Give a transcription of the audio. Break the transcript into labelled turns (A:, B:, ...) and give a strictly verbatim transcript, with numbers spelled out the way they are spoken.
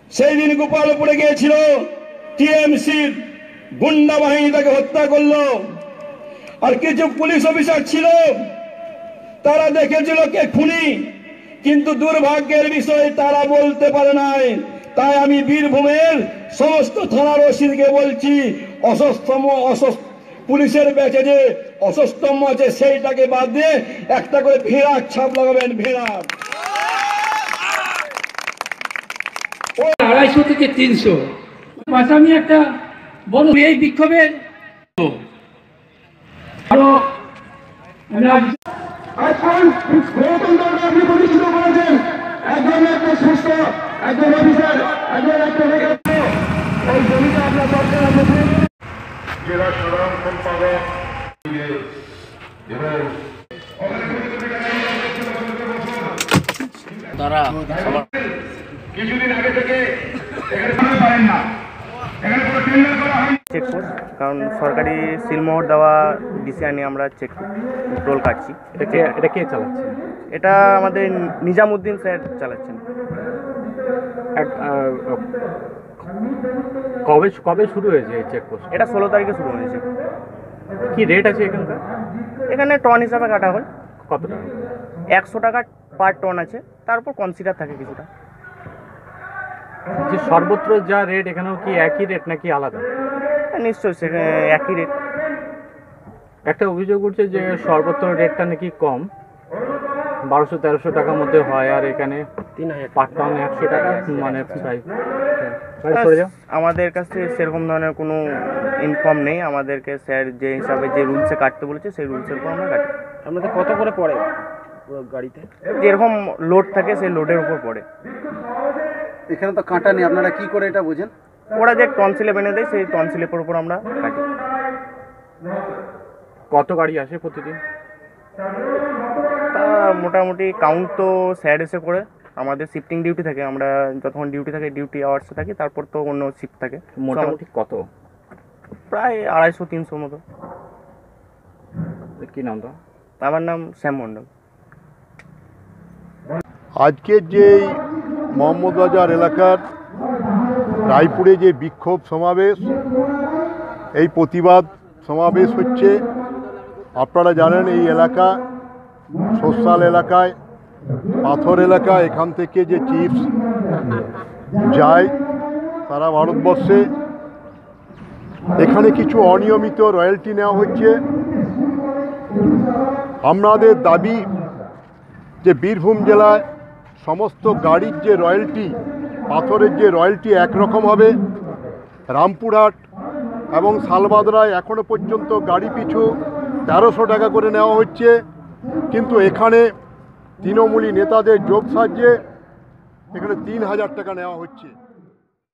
A: সেই দিন গোপালপুরে গিয়েছিল, টিএমসির গুন্ডা বাহিনী তাকে হত্যা করলো। আর কিছু পুলিশ অফিসার ছিল, তারা দেখেছিল কে খুনি, কিন্তু দুর্ভাগ্যের বিষয় তারা বলতে পারে নাই। তাই আমি বীরভূমের সমস্ত থানার ওসিকে বলছি, অসস্তম অসস্ত পুলিশের ব্যাচে যে অসস্তম আছে সেইটাকে বাদ দিয়ে একটা করে ভেড়ার ছাপ লাগাবেন। ভেড়া
B: আড়াইশো থেকে তিনশো আসামি একটা বড় এই বিক্ষোভের আরো
A: এখন গণতন্ত্রকে আপনি প্রতিষ্ঠিত করেছেন। একজন একটা সুস্থ একজন অফিসার, একজন একটা এই জমিটা আপনার দরকার আছে। জেলা সাধারণ সম্পাদক
C: তারা
A: কিছুদিন আগে থেকে এখানে পারেন না, এখানে কোনো টেন্ডার করা হয়।
C: চেকপোস্ট, কারণ সরকারি সিলমোহর দেওয়া ডিসিআই নিয়ে আমরা চেক টোল কাটছি।
D: এটা কে এটা কে চালাচ্ছে?
C: এটা আমাদের নিজামুদ্দিন স্যার চালাচ্ছেন।
D: এক আহ, কবে কবে শুরু হয়েছে এই চেকপোস্ট?
C: এটা ষোলো তারিখে শুরু হয়েছে।
D: কি রেট আছে এখানকার?
C: এখানে টন হিসাবে কাটা হয়।
D: কত টাকা?
C: একশো টাকা পার টন আছে, তারপর কনসিডার থাকে কিছুটা।
D: যে সর্বত্র যা রেট, এখানেও কি একই রেট নাকি আলাদা?
C: নিশ্চয়ই সেখানে একই রেট।
D: একটা অভিযোগ উঠছে যে সর্বত্র রেটটা নাকি কম, বারোশো তেরোশো টাকার মধ্যে হয়, আর এখানে
C: তিন হাজার
D: পার টন একশো টাকা, মানে প্রায়
C: আমাদের কাছে সেরকম ধরনের কোনো ইনফর্ম নেই। আমাদেরকে স্যার যে হিসাবে যে রুলসে কাটতে বলেছে সেই রুলসের উপর আমরা কাটি।
B: আপনাদের কত করে পড়ে গাড়িতে?
C: যেরকম লোড থাকে সেই লোডের উপর পড়ে।
E: এখানে তো কাঁটা নেই, আপনারা কি করে এটা বোঝেন?
C: ওরা যে টনসিলে বেঁধে দেয় সেই টনসিলের উপর আমরা কাটি।
D: কত গাড়ি আসে প্রতিদিন?
C: তা মোটামুটি কাউন্ট তো স্যার এসে করে, আমাদের শিফটিং ডিউটি থাকে। আমরা যতক্ষণ ডিউটি থাকে ডিউটি আওয়ার্সে থাকি, তারপর তো অন্য শিফট থাকে।
D: মোটামুটি কত?
C: প্রায় আড়াইশো তিনশো মতো।
D: কি নাম তো?
C: আমার নাম শ্যাম মণ্ডল।
F: আজকের যে মোহাম্মদবাজার এলাকার রায়পুরে যে বিক্ষোভ সমাবেশ, এই প্রতিবাদ সমাবেশ হচ্ছে, আপনারা জানেন এই এলাকা সোশ্যাল এলাকায়, পাথর এলাকা, এখান থেকে যে চিপস যায় সারা ভারতবর্ষে, এখানে কিছু অনিয়মিত রয়্যালটি নেওয়া হচ্ছে। আমাদের দাবি যে বীরভূম জেলায় সমস্ত গাড়ির যে রয়্যালটি, পাথরের যে রয়্যালটি একরকম হবে। রামপুরহাট এবং শালবাদরায় এখনও পর্যন্ত গাড়ি পিছু তেরোশো টাকা করে নেওয়া হচ্ছে, কিন্তু এখানে তৃণমূলী নেতাদের যোগ সাহায্যে এখানে তিন হাজার টাকা নেওয়া হচ্ছে।